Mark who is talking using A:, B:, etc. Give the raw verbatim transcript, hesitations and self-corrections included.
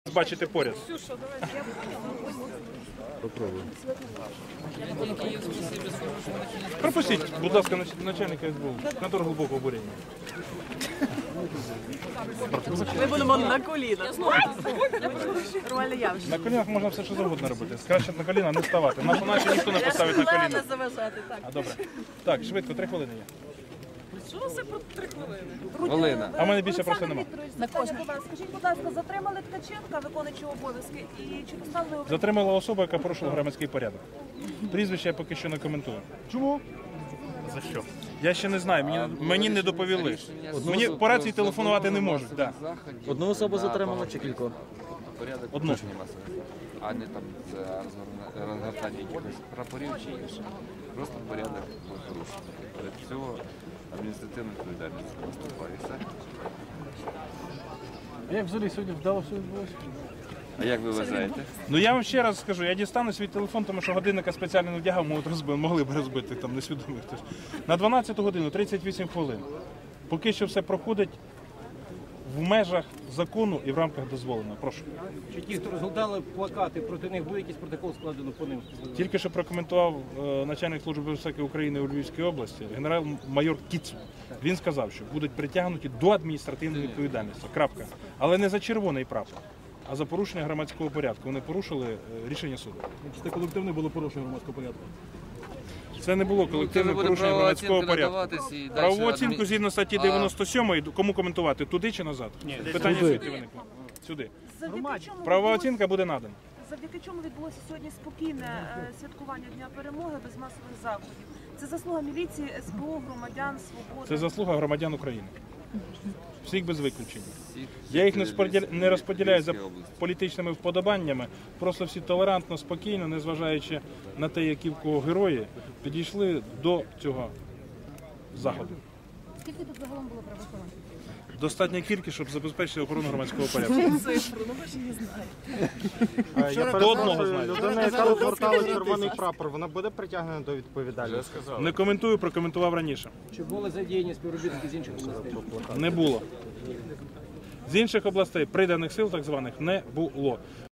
A: бачите поряд.
B: Попробуй.
A: Пропустіть, будь ласка, начальника ес бе у. Контор глибокого обурення.
C: Ми будемо на колінах. Нормальне явище.
A: На колінах можна все, що завгодно робити. Краще на коліна не ставати. Нашу наче ніхто не поставить на коліна.
C: заважати, так.
A: А добре. Так, швидко, три хвилини є.
C: Що це про три хвилини?
D: Олена.
A: А в мене більше просто нема.
E: На кожне. Скажіть, будь ласка, затримали Ткаченка, виконуючого обов'язки, і чи доставили його?
A: Затримала особа, яка порушила громадський порядок. Прізвище я поки що не коментую. Чому? За що? Я ще не знаю, мені, мені не доповіли. Мені по рації телефонувати не можуть. Да.
B: Одну особу затримали чи кількох?
D: Порядок
A: Одну.
D: порушення масових, а не там за розгорна- розгортання якихось прапорів чи інше. Просто порядок порушення. Перед цього адміністративна відповідальність наступає. Все.
F: А як взагалі сьогодні вдало все відбулося?
D: А як ви вважаєте?
A: Ну я вам ще раз скажу, я дістану свій телефон, тому що годинника спеціально не вдягав, можуть розбити, могли б розбити, там несвідомий хтось. На дванадцяту годину тридцять вісім хвилин. Поки що все проходить в межах закону і в рамках дозволеного. Прошу.
F: Чи ті, хто розгортали плакати, проти них був якийсь протокол складено по ним?
A: Тільки що прокоментував е, начальник Служби безпеки України у Львівській області, генерал-майор Кіцу. Він сказав, що будуть притягнуті до адміністративної відповідальності. Крапка. Але не за червоний прапор, а за порушення громадського порядку. Вони порушили е, рішення суду.
F: Чи це колективне було порушення громадського порядку?
A: Це не було колективне порушення громадського порядку. Правову оцінку згідно статті дев'яносто сьомої, кому коментувати, туди чи назад? Ні, питання звідки виникло? Сюди.
E: Завдяки чому
A: Правова
E: відбулося-
A: оцінка буде надана.
E: Завдяки чому відбулося сьогодні спокійне е, святкування Дня Перемоги без масових заходів? Це заслуга міліції, ес бе у, громадян, свободи.
A: Це заслуга громадян України. Всіх без виключення. Я їх не, споділя... не розподіляю за політичними вподобаннями, просто всі толерантно, спокійно, незважаючи на те, які в кого герої, підійшли до цього заходу.
G: Скільки тут загалом було правоохоронців?
A: Достатня кількість, щоб забезпечити охорону громадського порядку.
C: Цифру, ну ви ж не знаєте.
H: Я
A: До одного знаю.
H: людина, яка розгортала червоний прапор, вона буде притягнена до відповідальності?
A: Не коментую, прокоментував раніше.
F: Чи були задіяні співробітники з інших областей?
A: Не було. З інших областей приданих сил, так званих, не було.